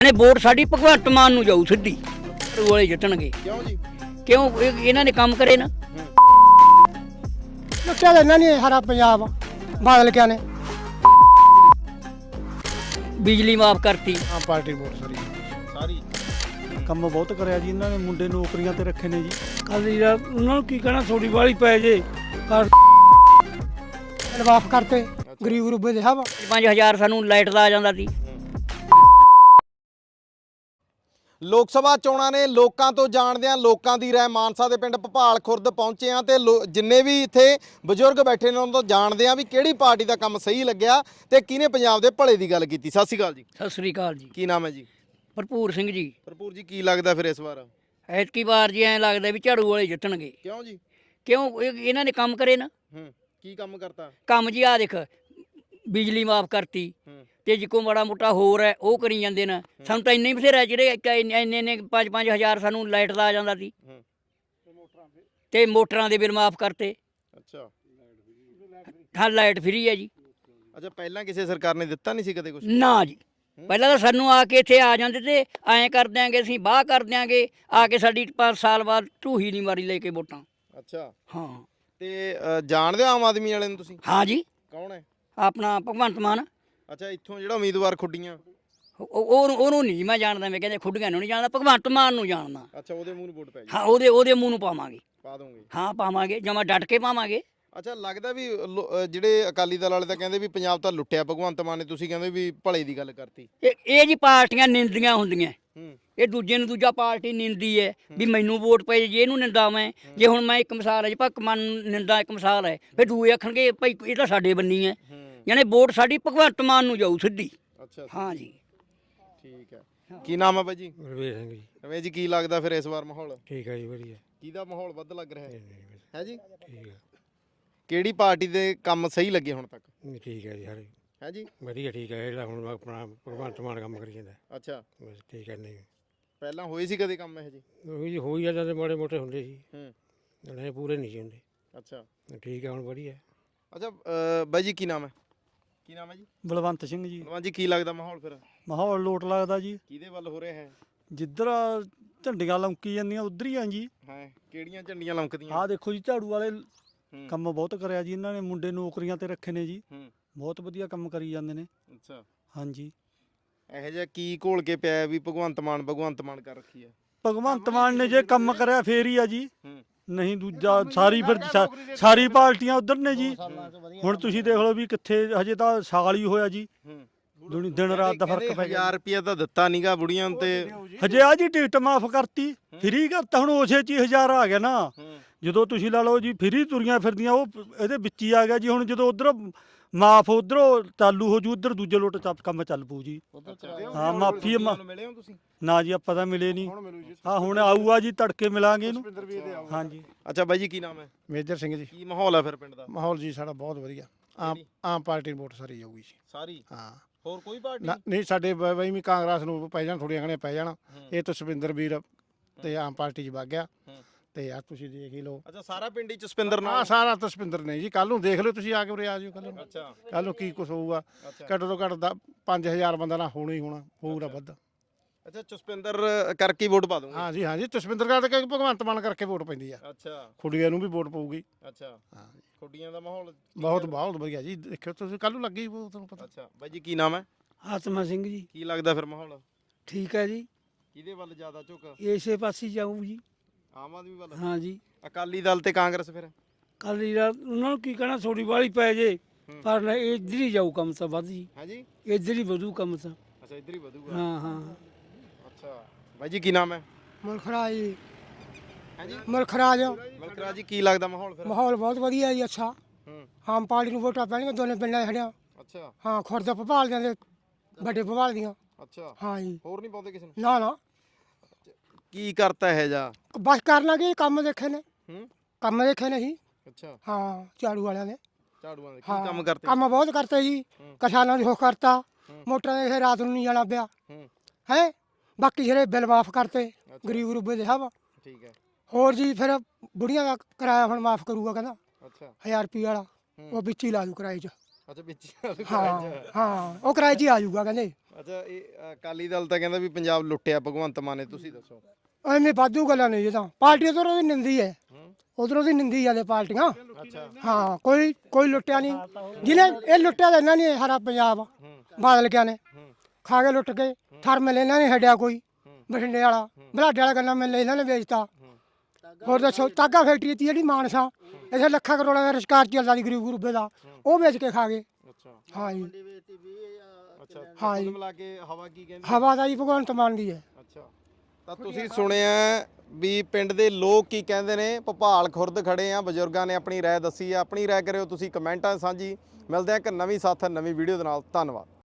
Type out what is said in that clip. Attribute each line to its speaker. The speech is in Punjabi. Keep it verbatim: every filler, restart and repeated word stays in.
Speaker 1: ਨੇ ਵੋਟ ਸਾਡੀ ਭਗਵੰਤ ਮਾਨ ਨੂੰ ਜਾਊ ਸਿੱਧੀ ਵਾਲੇ ਜਿੱਤਣਗੇ।
Speaker 2: ਕਿਉਂ ਜੀ?
Speaker 1: ਕਿਉਂ ਇਹ- ਇਹਨਾਂ ਨੇ ਕੰਮ ਕਰੇ ਨਾ।
Speaker 3: ਲੁੱਟਿਆ ਤਾਂ ਇਹਨਾਂ ਨੇ ਸਾਰਾ ਪੰਜਾਬ ਬਾਦਲ ਕਿਆ ਨੇ
Speaker 1: ਬਿਜਲੀ ਮਾਫ ਕਰਤੀ।
Speaker 4: ਆਮ ਪਾਰਟੀ ਵੋਟ ਸਾਰੀ
Speaker 2: ਸਾਰੀ
Speaker 4: ਕੰਮ ਬਹੁਤ ਕਰਿਆ ਜੀ ਇਹਨਾਂ ਨੇ, ਮੁੰਡੇ ਨੌਕਰੀਆਂ ਤੇ ਰੱਖੇ ਨੇ ਜੀ।
Speaker 5: ਕੱਲ ਯਾਰ ਉਹਨਾਂ ਨੂੰ ਕੀ ਕਹਿਣਾ, ਥੋੜੀ ਵਾਲੀ ਪੈ ਜੇ ਪਰ
Speaker 3: ਮਾਫ ਕਰਤੇ ਗਰੀਬ ਗਰੂਬੇ ਦੇ ਹਵਾ
Speaker 1: ਪੰਜ ਹਜ਼ਾਰ ਸਾਨੂੰ ਲਾਈਟ ਦਾ ਆ ਜਾਂਦਾ ਸੀ।
Speaker 2: ਲੋਕ ਸਭਾ ਚੋਣਾਂ ਨੇ, ਲੋਕਾਂ ਤੋਂ ਜਾਣਦੇ ਆ ਲੋਕਾਂ ਦੀ ਰਾਏ। ਮਾਨਸਾ ਦੇ ਪਿੰਡ ਭਪਾਲ ਖੁਰਦ ਪਹੁੰਚੇ ਆ ਤੇ ਜਿੰਨੇ ਵੀ ਇੱਥੇ ਬਜ਼ੁਰਗ ਬੈਠੇ ਨੇ ਉਹਨਾਂ ਤੋਂ ਜਾਣਦੇ ਆ ਵੀ ਕਿਹੜੀ ਪਾਰਟੀ ਦਾ ਕੰਮ ਸਹੀ ਲੱਗਿਆ ਤੇ ਕਿਹਨੇ ਪੰਜਾਬ ਦੇ ਭਲੇ ਦੀ ਗੱਲ ਕੀਤੀ। ਸਤਿ ਸ਼੍ਰੀ ਅਕਾਲ ਜੀ।
Speaker 1: ਸਤਿ ਸ੍ਰੀ ਅਕਾਲ ਜੀ।
Speaker 2: ਕੀ ਨਾਮ ਹੈ ਜੀ?
Speaker 1: ਭਰਪੂਰ ਸਿੰਘ ਜੀ।
Speaker 2: ਭਰਪੂਰ ਜੀ, ਕੀ ਲੱਗਦਾ ਫਿਰ ਇਸ ਵਾਰ?
Speaker 1: ਐਤਕੀ ਵਾਰ ਜੀ ਐਂ ਲੱਗਦਾ ਵੀ ਝਾੜੂ ਵਾਲੇ ਜਿੱਤਣਗੇ।
Speaker 2: ਕਿਉਂ ਜੀ?
Speaker 1: ਕਿਉਂ ਇਹ- ਇਹਨਾਂ ਨੇ ਕੰਮ ਕਰੇ ਨਾ।
Speaker 2: ਹੂੰ, ਕੀ ਕੰਮ ਕਰਤਾ?
Speaker 1: ਕੰਮ ਜੀ ਆ ਦੇਖ, ਬਿਜਲੀ ਮਾਫ ਕਰਤੀ
Speaker 2: ਹੂੰ,
Speaker 1: ਤੇ ਜਿੱਕੋ ਮਾੜਾ ਮੋਟਾ ਹੋਰ ਹੈ ਉਹ ਕਰੀ ਜਾਂਦੇ ਨੇ। ਸਾਨੂੰ ਤਾਂ ਇੰਨੇ ਹੀ ਬਥੇਰਾ ਜਿਹੜੇ ਇੰਨੇ ਇੰਨੇ ਪੰਜ ਪੰਜ ਹਜ਼ਾਰ ਸਾਨੂੰ ਲਾਈਟ ਦਾ ਆ ਜਾਂਦਾ ਸੀ
Speaker 2: ਹੂੰ,
Speaker 1: ਤੇ ਮੋਟਰਾਂ ਦੇ ਬਿੱਲ ਮਾਫ ਕਰਤੇ।
Speaker 2: ਅੱਛਾ
Speaker 1: ਹਾਂ, ਲਾਈਟ ਫਰੀ ਹੈ ਜੀ।
Speaker 2: ਅੱਛਾ, ਪਹਿਲਾਂ ਕਿਸੇ ਸਰਕਾਰ ਨੇ ਦਿੱਤਾ ਨਹੀਂ ਸੀ ਕਦੇ ਕੁਝ?
Speaker 1: ਨਾ ਜੀ, ਪਹਿਲਾਂ ਤਾਂ ਸਾਨੂੰ ਆ ਕੇ ਇੱਥੇ ਆ ਜਾਂਦੇ ਤੇ ਐਂ ਕਰ ਦਿਆਂਗੇ, ਅਸੀਂ ਬਾਹ ਕਰ ਦਿਆਂਗੇ, ਆ ਕੇ ਸਾਡੀ ਪੰਜ ਸਾਲ ਬਾਅਦ ਢੂਹੀ ਨਹੀਂ ਮਾਰੀ ਲੈ ਕੇ ਵੋਟਾਂ।
Speaker 2: ਅੱਛਾ,
Speaker 1: ਹਾਂ
Speaker 2: ਤੇ ਅ, ਜਾਣਦੇ ਹੋ ਆਮ ਆਦਮੀ ਵਾਲੇ ਨੂੰ ਤੁਸੀਂ?
Speaker 1: ਹਾਂ ਜੀ,
Speaker 2: ਕੌਣ ਹੈ?
Speaker 1: ਆਪਣਾ ਭਗਵੰਤ ਮਾਨ।
Speaker 2: ਅੱਛਾ, ਇੱਥੋਂ ਜਿਹੜਾ ਉਮੀਦਵਾਰ ਖੁੱਡੀਆਂ।
Speaker 1: ਉਹ- ਉਹ- ਉਹਨੂੰ ਨਹੀਂ ਮੈਂ ਜਾਣਦਾ, ਮੈਂ ਕਹਿੰਦੇ ਖੁੱਡੀਆਂ ਨੂੰ ਨਹੀਂ ਜਾਣਦਾ, ਭਗਵੰਤ ਮਾਨ ਨੂੰ ਜਾਣਦਾ।
Speaker 2: ਅੱਛਾ, ਉਹਦੇ ਮੂੰਹ ਨੂੰ ਵੋਟ ਪੈ ਜੀ।
Speaker 1: ਹਾਂ, ਉਹਦੇ ਉਹਦੇ ਮੂੰਹ ਨੂੰ ਪਾਵਾਂਗੇ।
Speaker 2: ਪਾ ਦੋਗੇ?
Speaker 1: ਹਾਂ ਪਾਵਾਂਗੇ, ਜਮਾ ਡਟ ਕੇ ਪਾਵਾਂਗੇ।
Speaker 2: ਅੱਛਾ, ਲੱਗਦਾ ਵੀ ਲੋ- ਅ, ਜਿਹੜੇ ਅਕਾਲੀ ਦਲ ਵਾਲੇ ਤਾਂ ਕਹਿੰਦੇ ਵੀ ਪੰਜਾਬ ਤਾਂ ਲੁੱਟਿਆ ਭਗਵੰਤ ਮਾਨ ਨੇ, ਤੁਸੀਂ ਕਹਿੰਦੇ ਵੀ ਭਲੇ ਦੀ ਗੱਲ ਕਰਤੀ।
Speaker 1: ਇਹ ਇਹ ਜੀ ਪਾਰਟੀਆਂ ਨਿੰਦੀਆਂ ਹੁੰਦੀਆਂ।
Speaker 2: ਹੂੰ,
Speaker 1: ਇਹ ਦੂਜੇ ਨੂੰ ਦੂਜਾ ਪਾਰਟੀ ਨਿੰਦੀ ਹੈ ਵੀ ਮੈਨੂੰ ਵੋਟ ਪਈ ਜੇ ਇਹਨੂੰ ਨਿੰਦਾ ਮੈਂ। ਜੇ ਹੁਣ ਮੈਂ ਇੱਕ ਮਿਸਾਲ ਹੈ ਜੀ, ਭਗਵੰਤ ਮਾਨ ਨੂੰ ਨਿੰਦਾ ਇੱਕ ਮਿਸਾਲ ਹੈ, ਫਿਰ ਦੂਏ ਆਖਣਗੇ ਭਾਈ ਇਹ ਤਾਂ ਸਾਡੇ ਬੰਨੀ ਹੈ।
Speaker 2: ਹੂੰ,
Speaker 1: ਯਾਨੀ ਵੋਟ ਸਾਡੀ ਭਗਵੰਤ ਮਾਨ ਨੂੰ ਜਾਊ ਸਿੱਧੀ।
Speaker 2: ਅੱਛਾ,
Speaker 1: ਹਾਂ ਜੀ।
Speaker 2: ਠੀਕ ਹੈ। ਕੀ ਨਾਮ ਹੈ ਬਾਈ ਜੀ?
Speaker 5: ਰਵੇਸ਼ ਸਿੰਘ ਜੀ।
Speaker 2: ਰਮੇਸ਼ ਜੀ, ਕੀ ਲੱਗਦਾ ਫਿਰ ਇਸ ਵਾਰ ਮਾਹੌਲ
Speaker 5: ਠੀਕ ਹੈ ਜੀ, ਵਧੀਆ
Speaker 2: ਕਿਹਦਾ ਮਾਹੌਲ ਵੱਧ ਲੱਗ ਰਿਹਾ ਹੈ? ਹੈ ਜੀ,
Speaker 5: ਠੀਕ ਹੈ
Speaker 2: ਕਿਹੜੀ ਪਾਰਟੀ ਦੇ ਕੰਮ ਸਹੀ ਲੱਗੇ ਹੁਣ ਤੱਕ?
Speaker 5: ਨਹੀਂ, ਠੀਕ ਹੈ ਜੀ, ਹਰੇ
Speaker 2: ਹੈ ਜੀ,
Speaker 5: ਵਧੀਆ ਠੀਕ ਹੈ। ਜਿਹੜਾ ਹੁਣ ਆਪਣਾ ਭਗਵੰਤ ਮਾਨ ਕੰਮ ਕਰੀ ਜਾਂਦਾ
Speaker 2: ਅੱਛਾ,
Speaker 5: ਬਸ ਠੀਕ ਹੈ। ਨਹੀਂ
Speaker 2: ਪਹਿਲਾਂ ਹੋਏ ਸੀ ਕਦੇ ਕੰਮ ਇਹ ਜੀ?
Speaker 5: ਉਹ ਜੀ ਹੋਈ ਜਾਂਦੇ ਤੇ ਮਾੜੇ ਮੋਟੇ ਹੁੰਦੇ ਸੀ,
Speaker 2: ਹੂੰ,
Speaker 5: ਨਹੀਂ ਪੂਰੇ ਨਹੀਂ ਸੀ ਹੁੰਦੇ।
Speaker 2: ਅੱਛਾ
Speaker 5: ਠੀਕ ਹੈ, ਹੁਣ ਵਧੀਆ।
Speaker 2: ਅੱਛਾ ਅ, ਬਾਈ ਜੀ ਕੀ ਨਾਮ ਹੈ? ਕੀ ਨਾਮ ਹੈ ਜੀ?
Speaker 4: ਬਲਵੰਤ ਸਿੰਘ ਜੀ।
Speaker 2: ਬਲਵੰਤ ਜੀ, ਕੀ ਲੱਗਦਾ ਮਾਹੌਲ ਫਿਰ
Speaker 4: ਮਾਹੌਲ ਲੋਟ ਲੱਗਦਾ ਜੀ,
Speaker 2: ਕਿਹਦੇ ਵੱਲ ਹੋ ਰਿਹਾ ਹੈ?
Speaker 4: ਜਿੱਧਰ ਝੰਡੀਆਂ ਲਮਕੀ ਜਾਂਦੀਆਂ ਉਧਰ ਹੀ ਆ ਜੀ।
Speaker 2: ਹਾਂ, ਕਿਹੜੀਆਂ ਝੰਡੀਆਂ ਲਮਕਦੀਆਂ?
Speaker 4: ਆਹ ਦੇਖੋ ਜੀ, ਝਾੜੂ ਵਾਲੇ
Speaker 2: ਹੂੰ,
Speaker 4: ਕੰਮ ਬਹੁਤ ਕਰਿਆ ਜੀ ਇਹਨਾਂ ਨੇ, ਮੁੰਡੇ ਨੌਕਰੀਆਂ ਤੇ ਰੱਖੇ ਨੇ ਜੀ।
Speaker 2: ਹੂੰ,
Speaker 4: ਬਹੁਤ ਵਧੀਆ ਕੰਮ ਕਰੀ ਜਾਂਦੇ ਨੇ।
Speaker 2: ਅੱਛਾ,
Speaker 4: ਹਾਂਜੀ,
Speaker 2: ਇਹੋ ਜਿਹਾ ਕੀ ਘੋਲ ਕੇ ਪਿਆ ਵੀ ਭਗਵੰਤ ਮਾਨ ਭਗਵੰਤ ਮਾਨ ਕਰ ਰੱਖੀ ਹੈ?
Speaker 4: ਭਗਵੰਤ ਮਾਨ ਨੇ ਜੇ ਕੰਮ ਕਰਿਆ ਫੇਰ ਹੀ ਆ ਜੀ,
Speaker 2: ਹੂੰ,
Speaker 4: ਨਹੀਂ ਦੂਜਾ ਸਾਰੀ ਫਿਰ ਸਾ- ਸਾਰੀ ਪਾਰਟੀਆਂ ਉਧਰ ਨੇ ਜੀ। ਹੁਣ ਤੁਸੀਂ ਦੇਖ ਲਓ ਵੀ ਕਿੱਥੇ, ਹਜੇ ਤਾਂ ਸਾਲ ਹੀ ਹੋਇਆ ਜੀ,
Speaker 2: ਹੂੰ,
Speaker 4: ਦੁਨੀ ਦਿਨ ਰਾਤ ਦਾ ਫਰਕ ਪੈ ਗਿਆ।
Speaker 2: ਹਜ਼ਾਰ ਰੁਪਿਆ ਤਾਂ ਦਿੱਤਾ ਨਹੀਂਗਾ ਬੁੜੀਆਂ ਨੂੰ ਤੇ।
Speaker 4: ਹਜੇ ਆ ਜੀ ਟਿਕਟ ਮਾਫ ਕਰਤੀ, ਫਰੀ ਕਰਤਾ, ਹੁਣ ਉਸੇ ਚ ਹੀ ਹਜ਼ਾਰ ਆ ਗਿਆ ਨਾ।
Speaker 2: ਹੂੰ,
Speaker 4: ਜਦੋਂ ਤੁਸੀਂ ਲਾ ਲਓ ਜੀ ਫਰੀ ਤੁਰੀਆਂ ਫਿਰਦੀਆਂ, ਉਹ ਇਹਦੇ ਵਿੱਚ ਹੀ ਆ ਗਿਆ ਜੀ। ਹੁਣ ਜਦੋਂ ਉਧਰ ਮਾਫ ਉਧਰੋਂ ਚਾਲੂ ਹੋ ਜੂ, ਉਧਰ ਦੂਜੇ ਲੋਟ ਚੱਪ ਕੰਮ ਚੱਲ ਪੂ ਜੀ। ਹਾਂ, ਮਾਫੀ
Speaker 2: ਨੂੰ ਮਿਲੇ ਹੋ ਤੁਸੀਂ?
Speaker 4: ਨਾ ਜੀ, ਆਪਾਂ ਤਾਂ ਮਿਲੇ ਨਹੀਂ। ਹਾਂ, ਹੁਣ ਆਊਗਾ ਜੀ, ਤੜਕੇ ਮਿਲਾਂਗੇ ਇਹਨੂੰ। ਹਾਂਜੀ।
Speaker 2: ਅੱਛਾ ਬਾਈ ਜੀ, ਕੀ ਨਾਮ ਹੈ?
Speaker 4: ਮੇਜਰ ਸਿੰਘ ਜੀ।
Speaker 2: ਕੀ ਮਾਹੌਲ ਹੈ ਫਿਰ ਪਿੰਡ ਦਾ?
Speaker 4: ਮਾਹੌਲ ਜੀ ਸਾਡਾ ਬਹੁਤ ਵਧੀਆ। ਆਮ ਆਮ ਪਾਰਟੀ ਵੋਟ ਸਾਰੀ ਜਾਊਗੀ ਜੀ।
Speaker 2: ਸਾਰੀ?
Speaker 4: ਹਾਂ,
Speaker 2: ਹੋਰ ਕੋਈ ਪਾਰਟੀ?
Speaker 4: ਨਾ- ਨਹੀਂ ਸਾਡੇ ਬਈ ਵੀ ਕਾਂਗਰਸ ਨੂੰ ਪੈ ਜਾਣ, ਥੋੜੀਆਂ ਘਣੇ ਪੈ ਜਾਣ। ਇਹ ਤਾਂ ਸੁਪਿੰਦਰ ਵੀਰ ਤੇ ਆਮ ਪਾਰਟੀ 'ਚ ਵਗ ਗਿਆ ਤੇ ਆ ਤੁਸੀਂ ਦੇਖ ਹੀ ਲਓ।
Speaker 2: ਅੱਛਾ, ਸਾਰਾ ਪਿੰਡ ਹੀ ਜਸਪਿੰਦਰ
Speaker 4: ਹਾਂ,
Speaker 2: ਨਾਲ?
Speaker 4: ਸਾਰਾ ਤਾਂ ਸੁਪਿੰਦਰ ਨਹੀਂ ਜੀ। ਕੱਲ ਨੂੰ ਦੇਖ ਲਿਓ, ਤੁਸੀਂ ਆ ਕੇ ਉਰੇ ਆ ਜਿਓ ਕੱਲ ਨੂੰ।
Speaker 2: ਅੱਛਾ,
Speaker 4: ਕੱਲ ਨੂੰ ਕੀ ਕੁਝ ਹੋਊਗਾ।
Speaker 2: ਅੱਛਾ,
Speaker 4: ਘੱਟ ਤੋਂ ਘੱਟ ਦਾ ਪੰਜ ਹਜ਼ਾਰ ਬੰਦਾ ਨਾ ਹੋਣਾ ਹੀ ਹੋਣਾ, ਹੋਊਗਾ ਵੱਧ।
Speaker 2: ਅੱਛਾ, ਜਸਪਿੰਦਰ ਕਰਕੇ ਵੋਟ ਪਾ ਦੂੰਗਾ?
Speaker 4: ਹਾਂ ਜੀ, ਹਾਂ ਜੀ, ਜਸਵਿੰਦਰ ਕਰਕੇ ਭਗਵੰਤ ਮਾਨ ਕਰਕੇ ਵੋਟ ਪੈਂਦੀ ਆ।
Speaker 2: ਅੱਛਾ,
Speaker 4: ਖੁੱਡੀਆਂ ਨੂੰ ਵੀ ਵੋਟ ਪਊਗੀ।
Speaker 2: ਅੱਛਾ,
Speaker 4: ਹਾਂ ਜੀ,
Speaker 2: ਖੁੱਡੀਆਂ ਦਾ ਮਾਹੌਲ
Speaker 4: ਬਹੁਤ ਬਹੁਤ ਵਧੀਆ ਜੀ। ਦੇਖਿਓ ਤੁਸੀਂ, ਕੱਲ ਨੂੰ ਲੱਗੀ ਤੁਹਾਨੂੰ ਪਤਾ।
Speaker 2: ਅੱਛਾ ਬਾਈ ਜੀ, ਕੀ ਨਾਮ ਹੈ?
Speaker 5: ਆਤਮਾ ਸਿੰਘ ਜੀ।
Speaker 2: ਕੀ ਲੱਗਦਾ ਫਿਰ ਮਾਹੌਲ
Speaker 5: ਠੀਕ ਹੈ ਜੀ,
Speaker 2: ਕਿਹਦੇ ਵੱਲ ਜ਼ਿਆਦਾ ਝੁਕ?
Speaker 5: ਇਸੇ ਪਾਸੇ ਜਾਊ ਜੀ।
Speaker 2: ਆਮ ਆਦਮੀ ਵੱਲ?
Speaker 5: ਹਾਂ ਜੀ,
Speaker 2: ਅਕਾਲੀ ਦਲ ਤੇ ਕਾਂਗਰਸ ਫਿਰ?
Speaker 5: ਕੱਲ ਯਾਰ ਉਹਨਾਂ ਨੂੰ ਕੀ ਕਹਿਣਾ, ਥੋੜੀ ਵਾਲੀ ਪੈ ਜੇ ਪਰ ਇੱਧਰ ਹੀ ਜਾਊ ਕੰਮ ਤਾਂ ਵੱਧ ਜੀ,
Speaker 2: ਹੈ ਜੀ,
Speaker 5: ਇੱਧਰ ਹੀ ਵਧੂ ਕੰਮ ਤਾਂ।
Speaker 2: ਅੱਛਾ, ਇੱਧਰ ਹੀ ਵਧੂਗਾ।
Speaker 5: ਹਾਂ ਹਾਂ।
Speaker 2: ਅੱਛਾ ਬਾਈ ਜੀ, ਕੀ ਨਾਮ ਹੈ?
Speaker 3: ਮੁਲਖਰਾ ਜੀ,
Speaker 2: ਹੈ ਜੀ,
Speaker 3: ਮੁਲਖਰਾਜ।
Speaker 2: ਮਲਕਰਾ ਜੀ, ਕੀ ਲੱਗਦਾ ਮਾਹੌਲ ਫਿਰ?
Speaker 3: ਮਾਹੌਲ ਬਹੁਤ ਵਧੀਆ ਜੀ, ਅੱਛਾ।
Speaker 2: ਹੂੰ,
Speaker 3: ਆਮ ਪਾਰਟੀ ਨੂੰ ਵੋਟਾਂ ਪੈਣਗੀਆਂ ਦੋਨੇ ਪਿੰਡਾਂ ਖੜਿਆ।
Speaker 2: ਅੱਛਾ,
Speaker 3: ਹਾਂ, ਖੁਰਦ ਭਪਾਲ ਦੇ ਵੱਡੇ ਭਪਾਲ ਦੀਆਂ।
Speaker 2: ਅੱਛਾ,
Speaker 3: ਹਾਂ ਜੀ,
Speaker 2: ਹੋਰ ਨਹੀਂ ਪਾਉਂਦੇ ਕਿਸੇ ਨੂੰ?
Speaker 3: ਨਾ ਨਾ,
Speaker 2: ਕੀ ਕਰਤਾ ਹੈ ਜਾ?
Speaker 3: ਬਸ ਕਰ ਲਾਂਗੇ, ਕੰਮ ਦੇਖੇ ਨੇ,
Speaker 2: ਹੂੰ,
Speaker 3: ਕੰਮ ਦੇਖੇ ਨਹੀਂ।
Speaker 2: ਅੱਛਾ,
Speaker 3: ਹਾਂ, ਝਾੜੂ ਵਾਲਿਆਂ ਨੇ।
Speaker 2: ਝਾੜੂਆਂ ਦੇ ਕੀ
Speaker 3: ਹਾਂ,
Speaker 2: ਕੰਮ ਕਰਤੇ?
Speaker 3: ਕੰਮ ਬਹੁਤ ਕਰਤੇ ਜੀ।
Speaker 2: ਹੂੰ।
Speaker 3: ਕਿਸਾਨਾਂ ਦੀ ਹੋ ਕਰਤਾ,
Speaker 2: ਹੂੰ।
Speaker 3: ਮੋਟਰਾਂ ਦੇ ਰਾਤ ਨੂੰ ਨਹੀਂ ਜਾਣਾ ਪਿਆ
Speaker 2: ਹੂੰ,
Speaker 3: ਹੈ। ਬਾਕੀ ਜਿਹੜੇ ਬਿੱਲ ਮਾਫ ਕਰਤੇ
Speaker 2: ਅੱਛਾ,
Speaker 3: ਗਰੀਬ ਗਰੂਬੇ ਦੇ ਹਵਾ।
Speaker 2: ਠੀਕ ਹੈ।
Speaker 3: ਹੋਰ ਜੀ ਫਿਰ ਬੁੜੀਆਂ ਦਾ ਕਿਰਾਇਆ ਹੁਣ ਮਾਫ ਕਰੂਗਾ, ਕਹਿੰਦਾ
Speaker 2: ਅੱਛਾ,
Speaker 3: ਹਜ਼ਾਰ ਰੁਪਏ ਵਾਲਾ,
Speaker 2: ਹੂੰ।
Speaker 3: ਉਹ ਵਿੱਚ ਹੀ ਲਾ ਦੂ ਕਿਰਾਏ 'ਚ।
Speaker 2: ਅੱਛਾ ਵਿੱਚ
Speaker 3: ਹਾਂ ਹਾਂ ਉਹ ਕਿਰਾਏ 'ਚ ਹੀ ਆ ਜਾਊਗਾ ਕਹਿੰਦੇ।
Speaker 2: ਅੱਛਾ ਇਹ ਅ, ਅਕਾਲੀ ਦਲ ਤਾਂ ਕਹਿੰਦਾ ਵੀ ਪੰਜਾਬ ਲੁੱਟਿਆ ਭਗਵੰਤ ਮਾਨ ਨੇ, ਤੁਸੀਂ ਦੱਸੋ।
Speaker 3: ਐਵੇਂ ਵਾਧੂ ਗੱਲਾਂ ਨਹੀਂ ਇਹ ਤਾਂ ਪਾਰਟੀ ਉਧਰੋਂ ਦੀ ਨਿੰਦੀ ਹੈ, ਉਧਰੋਂ ਦੀ ਨਿੰਦੀ ਜਾਂਦੇ ਪਾਰਟੀਆਂ।
Speaker 2: ਅੱਛਾ
Speaker 3: ਹਾਂ ਕੋਈ ਕੋਈ ਲੁੱਟਿਆ ਨਹੀਂ, ਜਿਹਨੇ ਇਹ ਲੁੱਟਿਆ ਤਾਂ ਇਹਨਾਂ ਨੇ ਸਾਰਾ ਪੰਜਾਬ ਬਾਦਲ ਕਿਆ ਨੇ ਖਾ ਕੇ ਲੁੱਟ ਕੇ। ਥਰ ਮਿਲ ਇਹਨਾਂ ਨੇ ਛੱਡਿਆ ਕੋਈ, ਬਠਿੰਡੇ ਵਾਲਾ ਬਲਾਡੇ ਵਾਲਾ ਗੰਨਾ ਮਿਲ ਇਹਨਾਂ ਨੇ ਵੇਚਤਾ। ਹੋਰ ਦੱਸੋ ਤਾਗਾ ਫੈਕਟਰੀ ਤੀ ਜਿਹੜੀ ਮਾਨਸਾ ਇੱਥੇ ਲੱਖਾਂ ਕਰੋੜਾਂ ਦਾ ਰੁਜ਼ਗਾਰ ਚੱਲਦਾ ਸੀ ਗਰੀਬ ਗਰੂਬੇ ਦਾ, ਉਹ ਵੇਚ ਕੇ ਖਾ ਗਏ।
Speaker 2: ਅੱਛਾ
Speaker 3: ਹਾਂ ਜੀ
Speaker 2: ਅੱਛਾ
Speaker 3: ਹਾਂ ਜੀ।
Speaker 2: ਕੁੱਲ ਮਿਲਾ ਕੇ ਹਵਾ ਕੀ ਕਹਿੰਦੀ?
Speaker 3: ਹਵਾ ਦਾ ਜੀ ਭਗਵੰਤ ਮਾਨ ਦੀ ਹੈ।
Speaker 2: ਅੱਛਾ ਤਾਂ ਤੁਸੀਂ ਸੁਣਿਆ ਵੀ ਪਿੰਡ ਦੇ ਲੋਕ ਕੀ ਕਹਿੰਦੇ ਨੇ। ਭੋਪਾਲ ਖੁਰਦ ਖੜੇ ਆ, ਬਜ਼ੁਰਗਾਂ ਨੇ ਆਪਣੀ ਰਾਏ ਦੱਸੀ ਆ। ਆਪਣੀ ਰਾਏ ਕਰਿਓ ਤੁਸੀਂ ਕਮੈਂਟਾਂ ਸਾਂਝੀ। ਮਿਲਦੇ ਆ ਇੱਕ ਨਵੀਂ ਸਾਥ ਨਵੀਂ ਵੀਡੀਓ ਦੇ ਨਾਲ। ਧੰਨਵਾਦ।